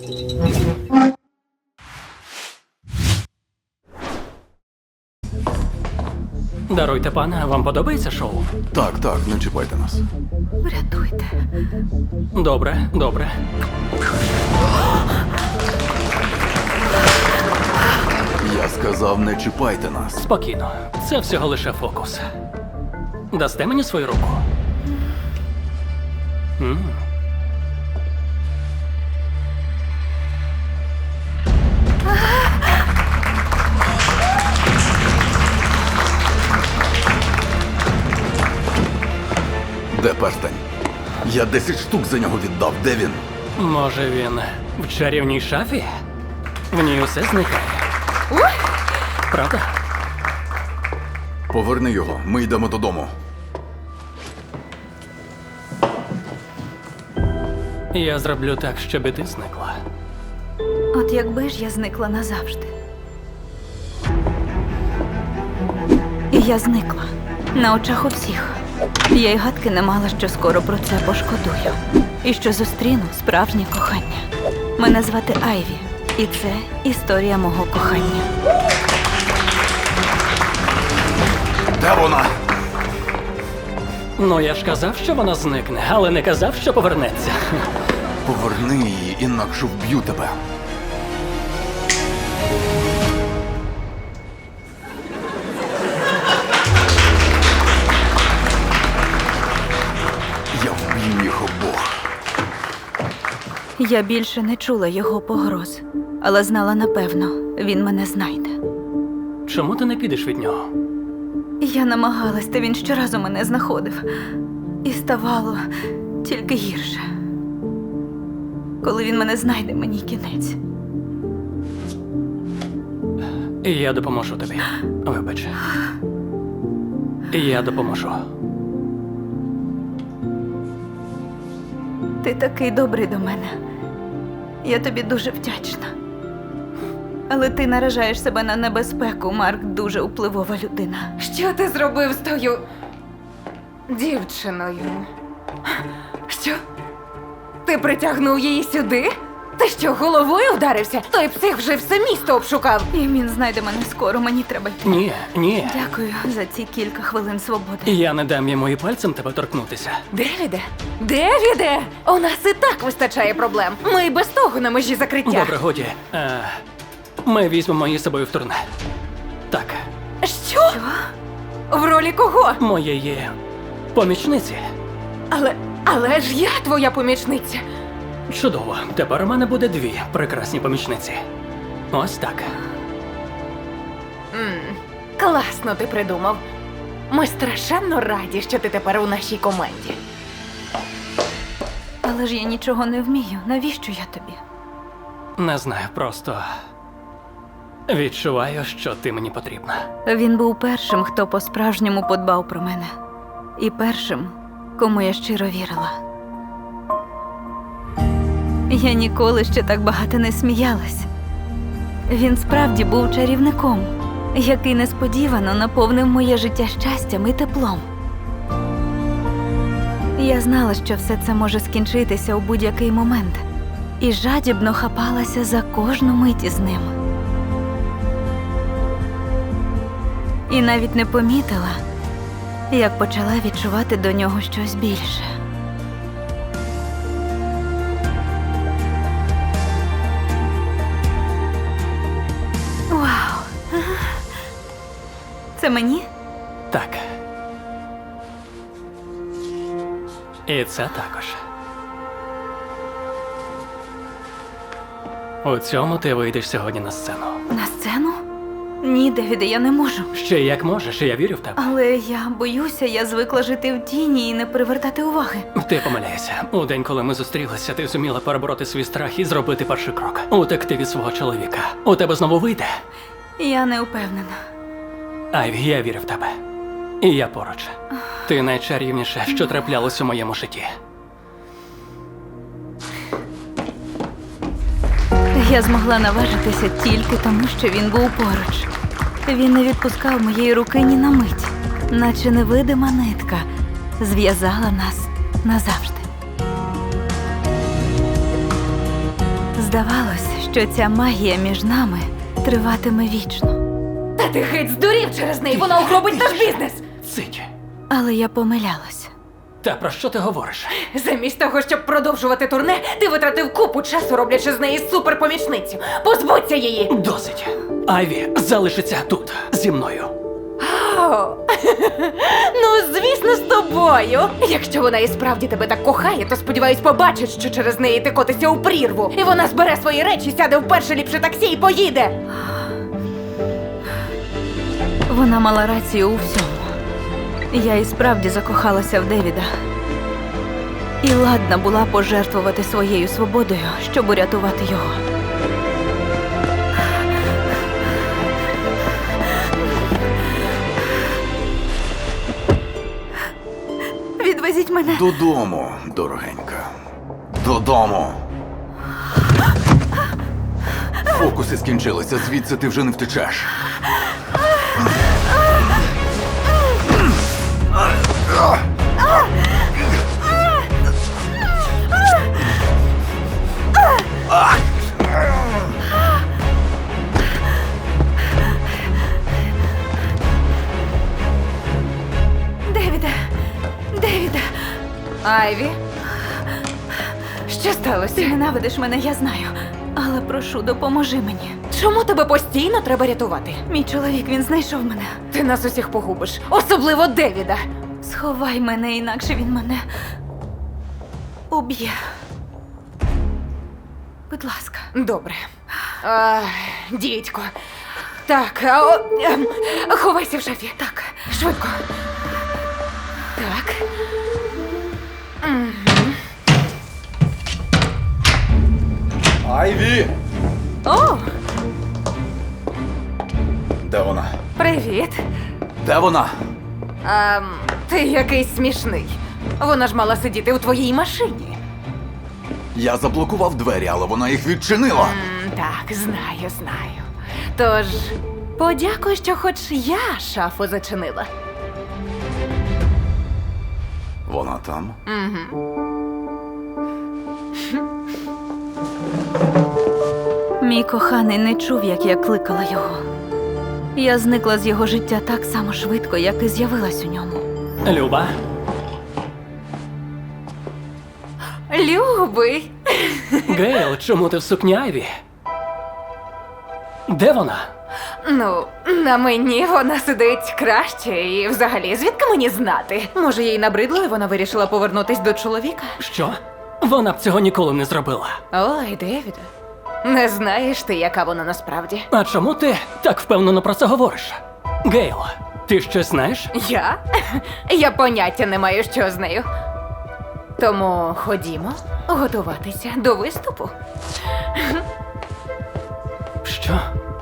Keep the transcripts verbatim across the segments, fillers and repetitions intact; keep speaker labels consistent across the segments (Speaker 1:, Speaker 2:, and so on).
Speaker 1: Даруйте, пане, вам подобається шоу?
Speaker 2: Так, так, не чіпайте нас.
Speaker 3: Врятуйте.
Speaker 1: Добре, добре.
Speaker 2: Я сказав, не чіпайте нас.
Speaker 1: Спокійно. Це всього лише фокус. Дасте мені свою руку? М.
Speaker 2: Де перстень? Я десять штук за нього віддав. Де він?
Speaker 1: Може, він в чарівній шафі? В ній усе зникає. Правда?
Speaker 2: Поверни його, ми йдемо додому.
Speaker 1: Я зроблю так, щоб і ти зникла.
Speaker 3: От якби ж я зникла назавжди. І я зникла. На очах у всіх. Я й гадки не мала, що скоро про це пошкодую. І що зустріну справжнє кохання. Мене звати Айві. І це історія мого кохання.
Speaker 2: Де вона?
Speaker 1: Ну, я ж казав, що вона зникне, але не казав, що повернеться.
Speaker 2: Поверни її, інакше вб'ю тебе. Я вб'ю їх обох.
Speaker 3: Я більше не чула його погроз, але знала напевно, він мене знайде.
Speaker 1: Чому ти не підеш від нього?
Speaker 3: Я намагалась, та він щоразу мене знаходив. І ставало тільки гірше. Коли він мене знайде, мені кінець.
Speaker 1: Я допоможу тобі. Вибач. Я допоможу.
Speaker 3: Ти такий добрий до мене. Я тобі дуже вдячна. Але ти наражаєш себе на небезпеку, Марк дуже впливова людина.
Speaker 4: Що ти зробив з тою дівчиною? Що? Ти притягнув її сюди? Ти що, головою вдарився? Той псих вже все місто обшукав.
Speaker 3: І він знайде мене скоро, мені треба йти.
Speaker 1: Ні, ні.
Speaker 3: Дякую за ці кілька хвилин свободи.
Speaker 1: Я не дам йому і пальцем тебе торкнутися.
Speaker 4: Девіде? Девіде? У нас і так вистачає проблем. Ми й без того на межі закриття.
Speaker 1: Добре, годі. Е, ми візьмемо її з собою в турне. Так,
Speaker 4: Що? В ролі кого?
Speaker 1: моєї помічниці.
Speaker 4: Але, але ж я твоя помічниця.
Speaker 1: Чудово. Тепер у мене буде дві прекрасні помічниці. Ось так.
Speaker 4: М, класно ти придумав. Ми страшенно раді, що ти тепер у нашій команді.
Speaker 3: Але ж я нічого не вмію. Навіщо я тобі?
Speaker 1: Не знаю, просто відчуваю, що ти мені потрібна.
Speaker 3: Він був першим, хто по-справжньому подбав про мене. І першим, кому я щиро вірила. Я ніколи ще так багато не сміялась. Він справді був чарівником, який несподівано наповнив моє життя щастям і теплом. Я знала, що все це може скінчитися у будь-який момент, і жадібно хапалася за кожну мить із ним. І навіть не помітила, як почала відчувати до нього щось більше. Вау! Це мені?
Speaker 1: Так. І це також. У цьому ти вийдеш сьогодні на сцену.
Speaker 3: На сцену? Ні, Девіде, я не можу.
Speaker 1: Ще як можеш, я вірю в тебе.
Speaker 3: Але я боюся, я звикла жити в тіні і не привертати уваги.
Speaker 1: Ти помиляєшся. У день, коли ми зустрілися, ти зуміла перебороти свій страх і зробити перший крок. Утекти від свого чоловіка. У тебе знову вийде.
Speaker 3: Я не впевнена.
Speaker 1: Айві, я вірю в тебе. І я поруч. Ти найчарівніше, що траплялось у моєму житті.
Speaker 3: Я змогла наважитися тільки тому, що він був поруч. Він не відпускав моєї руки ні на мить, наче невидима нитка зв'язала нас назавжди. Здавалось, що ця магія між нами триватиме вічно.
Speaker 4: Та ти геть здурів через неї, вона угробить наш бізнес.
Speaker 1: Цить.
Speaker 3: Але я помилялась.
Speaker 1: Та про що ти говориш?
Speaker 4: Замість того, щоб продовжувати турне, ти витратив купу часу, роблячи з неї суперпомічницю. Позбудься її!
Speaker 1: Досить. Айві залишиться тут зі мною.
Speaker 4: О, ну, звісно, з тобою. Якщо вона і справді тебе так кохає, то сподіваюсь, побачить, що через неї ти котишся у прірву. І вона збере свої речі, сяде в перше ліпше таксі і поїде.
Speaker 3: Вона мала рацію у всьому. Я і справді закохалася в Девіда. І ладна була пожертвувати своєю свободою, щоб урятувати його. Відвезіть мене.
Speaker 2: Додому, дорогенька. Додому. Фокуси скінчилися, звідси ти вже не втечеш.
Speaker 3: Девіде! Девіде!
Speaker 4: Айві? Що сталося?
Speaker 3: Ти ненавидиш мене, я знаю. Але прошу, допоможи мені.
Speaker 4: Чому тебе постійно треба рятувати?
Speaker 3: Мій чоловік, він знайшов мене.
Speaker 4: Ти нас усіх погубиш, особливо Девіда.
Speaker 3: Сховай мене, інакше він мене уб'є. Будь ласка.
Speaker 4: Добре. А, дідько. Так, а, о, ем, ховайся в шафі. Так, швидко. Так.
Speaker 2: Айві!
Speaker 4: О,
Speaker 2: Де вона?
Speaker 4: привіт.
Speaker 2: Де вона?
Speaker 4: А, ти якийсь смішний. Вона ж мала сидіти у твоїй машині.
Speaker 2: Я заблокував двері, але вона їх відчинила.
Speaker 4: М, так, знаю, знаю. Тож, подякуй, що хоч я шафу зачинила.
Speaker 2: Вона там?
Speaker 3: Мій коханий не чув, як я кликала його. Я зникла з його життя так само швидко, як і з'явилась у ньому.
Speaker 1: Люба,
Speaker 4: Любий.
Speaker 1: Гейл, чому ти в сукні Айві? Де вона?
Speaker 4: Ну, на мені вона сидить краще, і взагалі, звідки мені знати? Може, їй набридло, і вона вирішила повернутись до чоловіка?
Speaker 1: Що? Вона б цього ніколи не зробила.
Speaker 4: Ой, Девіде, не знаєш ти, яка вона насправді.
Speaker 1: А чому ти так впевнено про це говориш? Гейл, ти щось знаєш?
Speaker 4: Я? Я поняття не маю, що з нею. Тому ходімо готуватися до виступу.
Speaker 1: Що?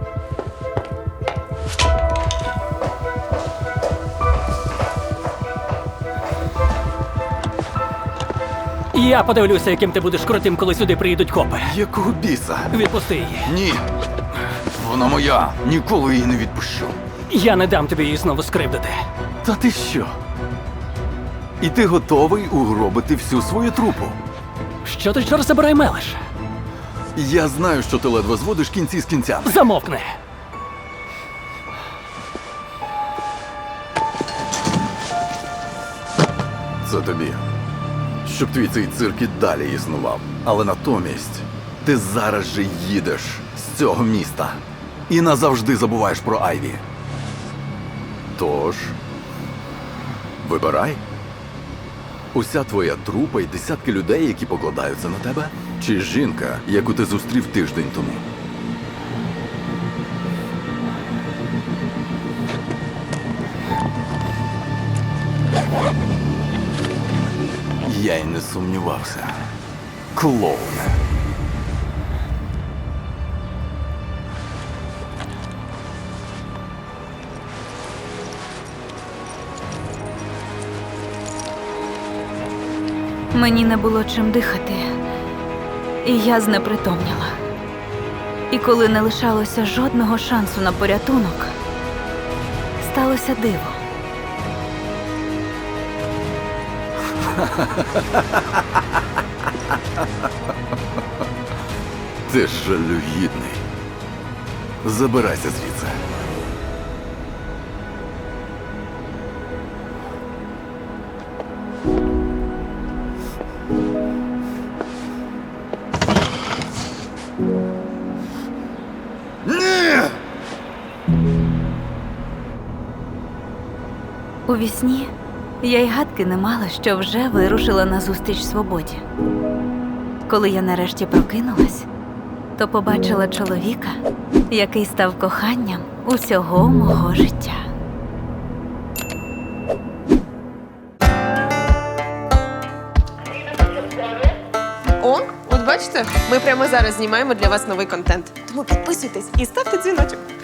Speaker 1: Я подивлюся, яким ти будеш крутим, коли сюди приїдуть копи.
Speaker 2: Якого біса?
Speaker 1: Відпусти її.
Speaker 2: Ні. Вона моя. Ніколи її не відпущу.
Speaker 1: Я не дам тобі її знову скривдити.
Speaker 2: Та ти що? І ти готовий угробити всю свою трупу?
Speaker 1: Що ти чор забирай мелеш?
Speaker 2: Я знаю, що ти ледве зводиш кінці з кінцями.
Speaker 1: Замовкни.
Speaker 2: Це тобі. Щоб твій цей цирк і далі існував. Але натомість ти зараз же їдеш з цього міста і назавжди забуваєш про Айві. Тож, вибирай. Уся твоя трупа і десятки людей, які покладаються на тебе? Чи жінка, яку ти зустрів тиждень тому? Я й не сумнівався. Клоуне.
Speaker 3: Мені не було чим дихати, і я знепритомніла. І коли не лишалося жодного шансу на порятунок, сталося диво.
Speaker 2: Ти жалюгідний. Забирайся звідси. Ні!
Speaker 3: У вісні я й гадки не мала, що вже вирушила назустріч свободі. Коли я нарешті прокинулась, то побачила чоловіка, який став коханням усього мого життя.
Speaker 5: О, от бачите, ми прямо зараз знімаємо для вас новий контент. Тому підписуйтесь і ставте дзвіночок.